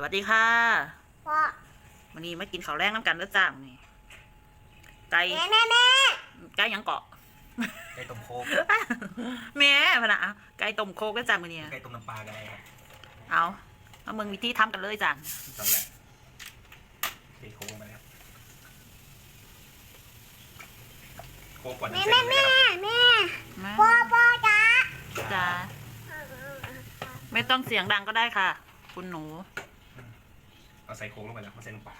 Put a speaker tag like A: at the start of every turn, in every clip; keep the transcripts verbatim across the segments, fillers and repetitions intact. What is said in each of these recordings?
A: วัสดีค่ะ
B: พ่อ
A: วันนี้มากินข้าวแรงน้ำกันเด้อจ้านี่ไก่
B: แม่แม่แม่
A: ไก่ยังเกาะ
C: ไก่ต้มโคก
A: แม่พะนะไก่ต้มโคกเด้อจ้ามื้อนี้
C: ไก่ต้มน้ำปลากันอะไรครับ
A: เอาเอามึงวิธีทำกันเลยจ้า
C: ตอนแรกตีโคกลงไปครับโคกก่อน
B: แม่
C: น้ำ
B: แม่
C: เส้น
B: แม่
C: เลยครับ
B: แม่พ่อพ่อจ้า
A: จ้าไม่ต้องเสียงดังก็ได้ค่ะ คุณหนู
C: เอาใส่โคกลงไปแล้วมาใส่น้ำปลา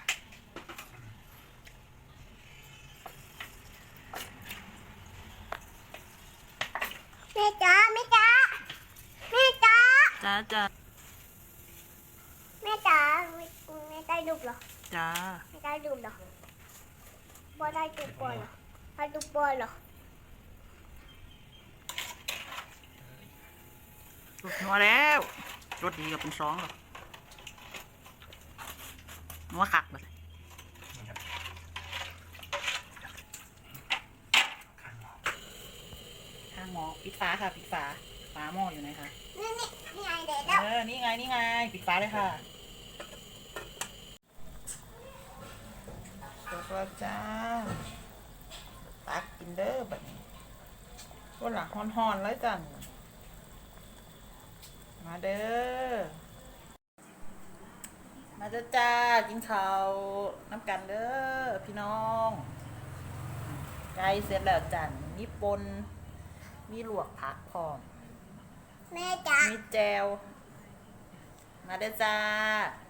B: แม่จ้าแม่จ้าแม่จ้า
A: จ้าจ้า
B: แม่จ้าแม่ได้ดูเหรอ
A: จ้า
B: ไม่ได้ดูเหรอพ่อได้ดูบอลเหรอได้ดูบอลเหรอ
A: รสนัวแล้วรสดีกับเป็นซองหรอนัวคักเลย
C: นี่ครับข้างหม้อ
A: ข้างหม้อปิดฝาค่ะปิดฝาฝาหม้ออยู่ไหนคะ
B: นี่นี่นี่ไงเด็กแล้ว
A: เออนี่ไงนี่ไงปิดฝาเลยค่ะจบแล้วจ้าตักกินเด้อแบบนี้วันหลังฮ้อนๆเลยจ้ะมาเด้อมาเด้อจ้ากินข้าวน้ำกันเด้อพี่น้องไก่เสร็จแล้วจ้ะมีปนมีลวกผักพร้อม
B: แม่จ้า
A: มีแจวมาเด้อจ้า